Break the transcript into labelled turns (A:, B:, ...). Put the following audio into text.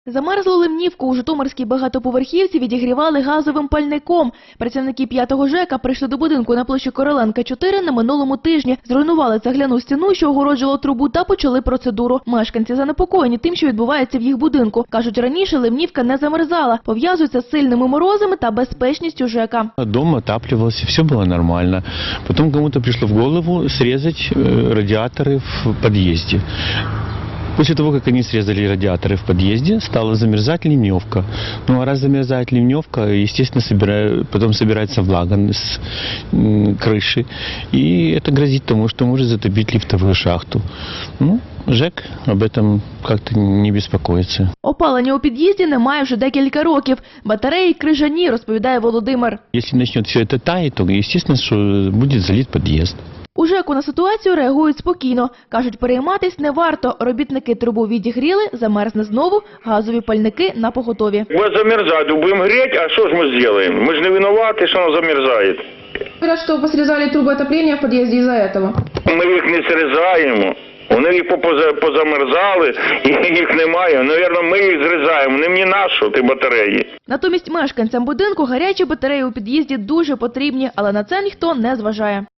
A: Замерзлу ливнівку у житомирській багатоповерхівці відігрівали газовим пальником. Працівники 5-го ЖЕКа прийшли до будинку на площі Короленка, 4 на минулому тижні. Зруйнували цегляну стіну, що огороджувала трубу, та почали процедуру. Мешканці занепокоєні тим, що відбувається в їх будинку. Кажуть, раніше ливнівка не замерзала. Пов'язуються з сильними морозами та безпечністю ЖЕКа.
B: Дом отапливался, все было нормально. Потом кому-то пришло в голову срезать радиаторы в подъезде. После того, как они срезали радиаторы в подъезде, стала замерзать ливневка. Ну а раз замерзает ливневка, естественно, потом собирается влага с крыши. И это грозит тому, что может затопить лифтовую шахту. Ну, ЖЕК об этом как-то не беспокоится.
A: Опалення у під'їзді немає вже декілька років. Батареї крижані, розповідає Володимир.
B: Если начнет все это таять, то естественно, что будет залит подъезд.
A: У ЖЕКу на ситуацію реагують спокійно. Кажуть, перейматись не варто. Робітники трубу відігріли, замерзне знову, газові пальники на поготові.
C: Будет замерзать, будем греть, а что же мы сделаем? Мы же не виноваты, что оно замерзает.
D: Говорят, что посрезали трубы отопления в подъезде из-за этого.
C: Ми їх не срізаємо. Вони їх позамерзали, і їх немає. Навірно, ми їх зрізаємо. Не мені нащо ті батареї.
A: Натомість мешканцям будинку гарячі батареї у під'їзді дуже потрібні, але на це ніхто не зважає.